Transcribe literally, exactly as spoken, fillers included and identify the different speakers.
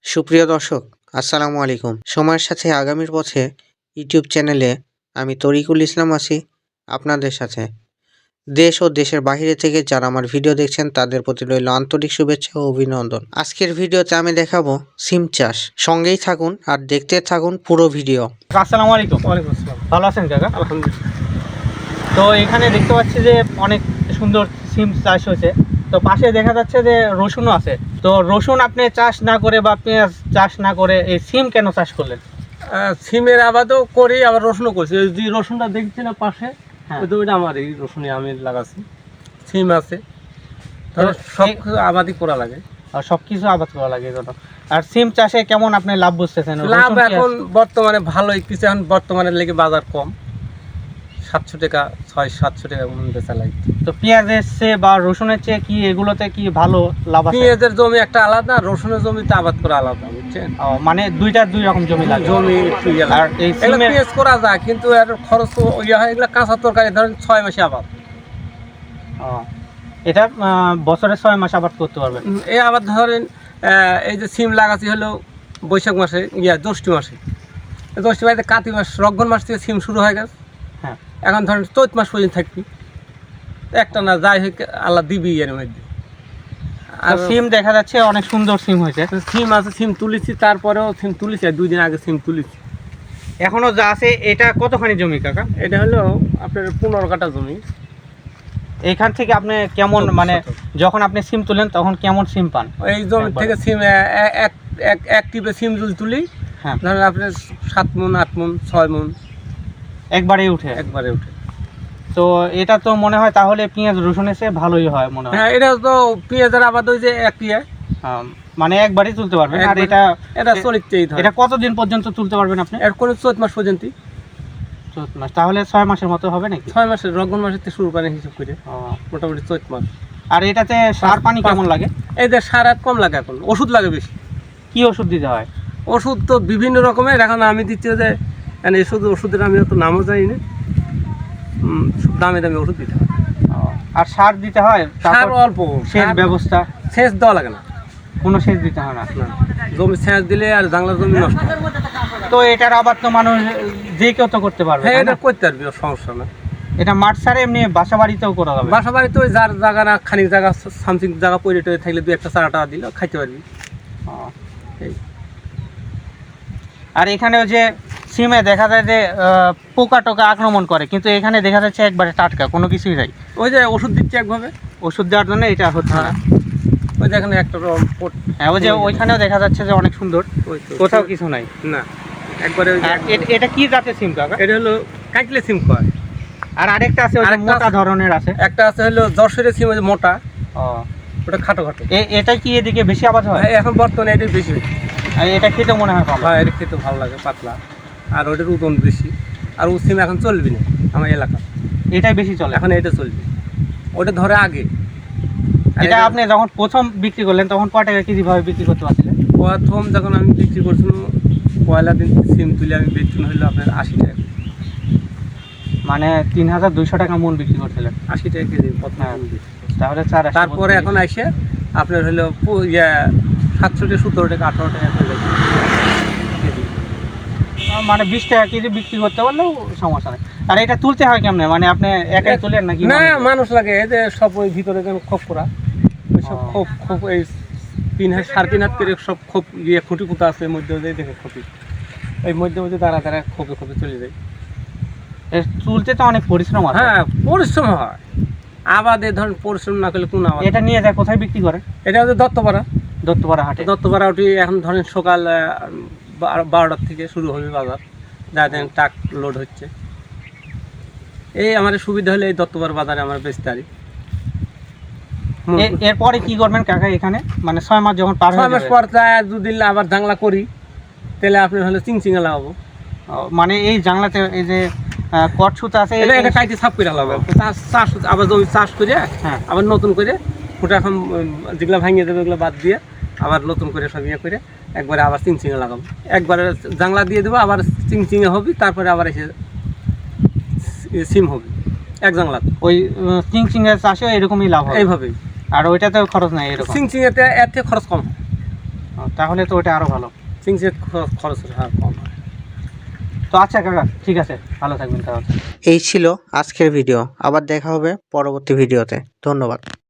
Speaker 1: সুপ্রিয় দর্শক, আসসালামু আলাইকুম। সময়ের সাথে আগামীর পথে ইউটিউব চ্যানেলে আমি তরিকুল ইসলাম আছি আপনাদের সাথে। দেশ ও দেশের বাইরে থেকে যারা আমার ভিডিও দেখছেন তাদের প্রতি রইল আন্তরিক শুভেচ্ছা ও অভিনন্দন। আজকের ভিডিওতে আমি দেখাবো সিম চাষ। সঙ্গেই থাকুন আর দেখতে থাকুন পুরো ভিডিও।
Speaker 2: আসসালামু আলাইকুম।
Speaker 3: ওয়ালাইকুম আসসালাম।
Speaker 2: ভালো আছেন কাকা?
Speaker 3: আলহামদুলিল্লাহ।
Speaker 2: তো এখানে দেখতে পাচ্ছি যে অনেক সুন্দর সিম চাষ হয়েছে। তো পাশে দেখা যাচ্ছে যে রসুনও আছে। তো রসুন আপনি চাষ না করে বা পেঁয়াজ চাষ না করে এই সিম কেন চাষ করলেন?
Speaker 3: আহ, সিমের আবাদও করি, আবার রসুনও করছি। ওই যে রসুনটা দেখছি না পাশে,
Speaker 2: হ্যাঁ।
Speaker 3: ওই তো ওইটা আমার, এই রসুনে আমি লাগাচ্ছি। সিম আছে, তাহলে সব
Speaker 2: এই-
Speaker 3: কিছু আবাদই করা লাগে।
Speaker 2: আর সব কিছু আবাদ করা লাগে এজন্য। আর সিম চাষে কেমন আপনি লাভ বুঝতেছেন?
Speaker 3: লাভ
Speaker 2: রসুন কি
Speaker 3: এখন
Speaker 2: আছে?
Speaker 3: বর্তমানে ভালোই কিছু, এখন বর্তমানে লেগে বাজার কম, সাতশো টাকা ছয় সাতশো টাকা মন বেচা লাগে।
Speaker 2: তো পেঁয়াজের চেয়ে বা রসুনের চেয়ে কি এগুলোতে কি ভালো লাভ আছে?
Speaker 3: পেঁয়াজের জমি একটা আলাদা, রসুনের জমিতে আবাদ করা আলাদা, বুঝছেন?
Speaker 2: ও, মানে দুইটা দুই রকম জমি লাগে।
Speaker 3: জমি একটু ইয়ে
Speaker 2: আর
Speaker 3: লাগে।
Speaker 2: এই
Speaker 3: এগুলো
Speaker 2: সিমের
Speaker 3: পেঁয়াজ করা যায়, কিন্তু এর খরচ তো ইয়ে হয়। এগুলো কাঁচা তরকারি ধরেন ছয় মাসে আবাদ।
Speaker 2: ও, এটা আহ, বছরে ছয় মাস আবাদ করতে পারবেন।
Speaker 3: উম, এই আবার ধরেন আহ, এই যে সিম লাগাচ্ছি হলো বৈশাখ মাসে, ইয়া জ্যৈষ্ঠ মাসে। জ্যৈষ্ঠ মাসে কাতি মাস, রক্ষণ মাস থেকে সিম শুরু হয়ে গেছে।
Speaker 2: হ্যাঁ।
Speaker 3: এখন ধরেন চৈত মাস পর্যন্ত থাকবি, একটা না যাই হোক আল্লাহ দিবি এর মধ্যে।
Speaker 2: আর
Speaker 3: আর
Speaker 2: সিম দেখা যাচ্ছে অনেক সুন্দর সিম হয়েছে।
Speaker 3: সিম আছে, সিম তুলেছি, তারপরেও সিম তুলেছি, আর দুই দিন আগে সিম তুলেছি।
Speaker 2: এখনো যা আছে এটা কতখানি জমি কাকা?
Speaker 3: এটা হলো আপনার পনেরো কাঠা জমি।
Speaker 2: এখান থেকে আপনি কেমন,
Speaker 3: চব্বিশ
Speaker 2: মানে
Speaker 3: শতক।
Speaker 2: যখন আপনি সিম তুলেন তখন কেমন সিম পান?
Speaker 3: এই জমি
Speaker 2: একবারে।
Speaker 3: থেকে সিম এ- এ- এক এক এক টিপে সিম তুল তুলি,
Speaker 2: হ্যাঁ,
Speaker 3: ধরেন আপনার সাত মন আট মন ছয় মন
Speaker 2: একবারেই উঠে।
Speaker 3: একবারে উঠে।
Speaker 2: তো এটা তো মনে হয় তাহলে পেঁয়াজ রসুনের চেয়ে ভালোই হয় মনে হয়।
Speaker 3: হ্যাঁ, এটা তো পেঁয়াজের আবাদ ওই যে একই,
Speaker 2: আম, মানে একবারই তুলতে পারবেন। আর
Speaker 3: একবারে।
Speaker 2: এটা
Speaker 3: এটা
Speaker 2: এ-
Speaker 3: চলিতেই ধরে।
Speaker 2: এটা কতদিন পর্যন্ত তুলতে পারবেন আপনি?
Speaker 3: এর কোনো চৈত মাস পর্যন্ত,
Speaker 2: চৌদ্দ মাস, তাহলে ছয় মাসের মতো হবে নাকি?
Speaker 3: ছয় মাসের রক্ষণ মাসের থেকে শুরু করেন হিসাব করে,
Speaker 2: ও,
Speaker 3: মোটামুটি চৈত মাস।
Speaker 2: আর এটাতে সার পানি কেমন লাগে?
Speaker 3: এই যে সার আর কম লাগে, এখন ওষুধ লাগে বেশি।
Speaker 2: কি ওষুধ দিতে হয়?
Speaker 3: ওষুধ তো বিভিন্ন রকমের, এখন আমি দিচ্ছি যে মানে এই শুধু ওষুধের আমি অত নামও জানি না। উম, খুব দামে দামে ওষুধ দিতে হয়।
Speaker 2: ও, আর সার দিতে হয়?
Speaker 3: সার
Speaker 2: তারপর
Speaker 3: অল্প,
Speaker 2: সেচ
Speaker 3: সার-
Speaker 2: ব্যবস্থা
Speaker 3: সেচ দেওয়া লাগে না।
Speaker 2: কোনো সেচ দিতে হয় না?
Speaker 3: না, জমি সেচ দিলে আর জাংলার জমি নষ্ট হয়।
Speaker 2: তো এটার আবার তো মানুষ যে কেউ তো করতে পারবে,
Speaker 3: হ্যাঁ,
Speaker 2: তাই
Speaker 3: এটা
Speaker 2: না?
Speaker 3: করতে পারবি, ওর সমস্যা না।
Speaker 2: এটা মাঠ ছাড়া এমনি বাসা বাড়িতেও করা যাবে।
Speaker 3: বাসা বাড়িতে ওই যার জায়গা না, খানিক জায়গা সামথিং জায়গা পড়ে টরে থাকলে দুই একটা চারা টাকা দিলে খাইতে পারবি।
Speaker 2: ও।
Speaker 3: এই।
Speaker 2: আর এখানে ওই যে সিমে দেখা যায় যে আহ, পোকা টোকা আক্রমণ করে, কিন্তু এখানে দেখা যাচ্ছে একবারে টাটকা, কোনো কিছুই নাই।
Speaker 3: ওই যে ওষুধ দিচ্ছে একভাবে।
Speaker 2: ওষুধ দেওয়ার জন্য এটা হচ্ছে না।
Speaker 3: হ্যাঁ, ওই দেখেন একটা রকম পট-
Speaker 2: হ্যাঁ, ওই যে ওইখানেও দেখা যাচ্ছে যে অনেক সুন্দর,
Speaker 3: ওই তো।
Speaker 2: কোথাও কিছু নাই।
Speaker 3: না, একবারে ওই যে-
Speaker 2: আর এ- এটা কি জাতের সিম কাকা?
Speaker 3: এটা হলো কাটলে সিম কয়।
Speaker 2: আর আরেকটা আছে ওই যে
Speaker 3: আরেকটা
Speaker 2: মোটা
Speaker 3: আছে।
Speaker 2: ধরনের আছে।
Speaker 3: একটা আছে হলো যশোরের সিম, ওই যে মোটা,
Speaker 2: ও,
Speaker 3: ওটা খাটো খাটো।
Speaker 2: এ- এটা কি এদিকে বেশি আবাদ হয়?
Speaker 3: হ্যাঁ, এখন বর্তমানে এটাই বেশি হচ্ছে।
Speaker 2: আর এটা খেতে মনে হয় ভালো।
Speaker 3: হ্যাঁ, এটা খেতে ভালো লাগে, পাতলা, আর ওটার ওজন বেশি। আর ও সিম এখন চলবি না আমার এলাকা,
Speaker 2: এটাই বেশি চলে।
Speaker 3: এখন এটা চলবে। ওটা ধরে আগে। আর
Speaker 2: এটা
Speaker 3: এটা
Speaker 2: আপনি যখন প্রথম বিক্রি করলেন তখন কয় টাকা কেজি ভাবে বিক্রি করতে পারছিলেন?
Speaker 3: প্রথম যখন আমি বিক্রি করছিলাম, পয়লা দিন সিম তুলে আমি বেতন হইলো আপনার আশি টাকা,
Speaker 2: মানে তিন হাজার দুইশো টাকা মন বিক্রি করছিলেন।
Speaker 3: আশি টাকা কেজি প্রথম
Speaker 2: হ্যাঁ।
Speaker 3: আমি বিক্রি করছি।
Speaker 2: তাহলে চার আশি
Speaker 3: তারপরে
Speaker 2: বত্রিশ।
Speaker 3: এখন এসে আপনার হলো পু- ইয়া সাতশো টাকা সতেরো টাকা আঠারো টাকা করে যাচ্ছে কেজি।
Speaker 2: আহ, মানে বিশ টাকা কেজি বিক্রি করতে পারলেও সমস্যা নেই। আর এটা তুলতে হয় কেমনে, মানে আপনি একাই তুলেন নাকি?
Speaker 3: না,
Speaker 2: মানুষ?
Speaker 3: মানুষ লাগে। এই যে সব ওই ভিতরে যেন খোপ করা, ওই সব
Speaker 2: ও।
Speaker 3: খোপ খোপ এই তিন হাজার সাড়ে তিন হাত করে সব খোপ ইয়ে খুঁটি পুঁতা আছে এর মধ্যে, ওই দেখে খোপি এই মধ্যে মধ্যে দাঁড়া দাঁড়া খোপে খোপে চলে যায়।
Speaker 2: এর তুলতে তো অনেক পরিশ্রম আছে।
Speaker 3: হ্যাঁ, পরিশ্রম হয়। আবাদে ধরেন পরিশ্রম না করলে কোন আবাদ?
Speaker 2: এটা নিয়ে যায় কোথায় বিক্রি করে?
Speaker 3: এটা হচ্ছে দত্তপাড়া।
Speaker 2: দত্তপাড়া হাটে।
Speaker 3: দত্তপাড়া উঠি এখন ধরেন সকাল আহ, বারো- বারোটার থেকে শুরু হবে বাজার, যা দেন ট্রাক লোড হচ্ছে। এই আমার সুবিধা হলে এই দত্তপাড়া বাজারে আমার বেচতে পারি।
Speaker 2: এ- এরপরে কি করবেন কাকা এখানে, মানে ছয় মাস যখন পার
Speaker 3: ছয়
Speaker 2: হয়ে
Speaker 3: মাস
Speaker 2: যাবে?
Speaker 3: পর যায় দুদিন আবার জাংলা করি, তাহলে আপনার হলো চিংচিঙে লাগাবো।
Speaker 2: ও, মানে এই জানলাতে এই যে আহ, কট সুতা আছে,
Speaker 3: এটা
Speaker 2: এই-
Speaker 3: এটা কাইতে সাফ করে লাগাবো, চাষ চাষ আবার জমি চাষ করে
Speaker 2: হ্যাঁ।
Speaker 3: আবার নতুন করে ফুটা এখন উম, যেগুলো ভাঙিয়ে দেবে ওগুলো বাদ দিয়ে আবার নতুন করে সব ইয়ে করে একবারে আবার চিংচিঙে লাগাবো। একবারে জাংলা দিয়ে দেবো, আবার চিংচিঙে হবে, তারপরে আবার এসে সিম হবে এক জাংলা।
Speaker 2: ওই চিং চিং এর চাষে এরকমই লাভ হয়।
Speaker 3: এইভাবেই।
Speaker 2: আর ওইটাতেও খরচ নাই এরকম।
Speaker 3: চিংচিঙেতে এর থেকে খরচ কম হয়।
Speaker 2: ও, ও, তাহলে তো ওটা আরও ভালো।
Speaker 3: চিংচিঙের খরচ আর কম হয়।
Speaker 2: তো আচ্ছা কাকা, ঠিক আছে, ভালো থাকবেন তাহলে।
Speaker 1: এই ছিল আজকের ভিডিও, আবার দেখা হবে পরবর্তী ভিডিওতে। ধন্যবাদ।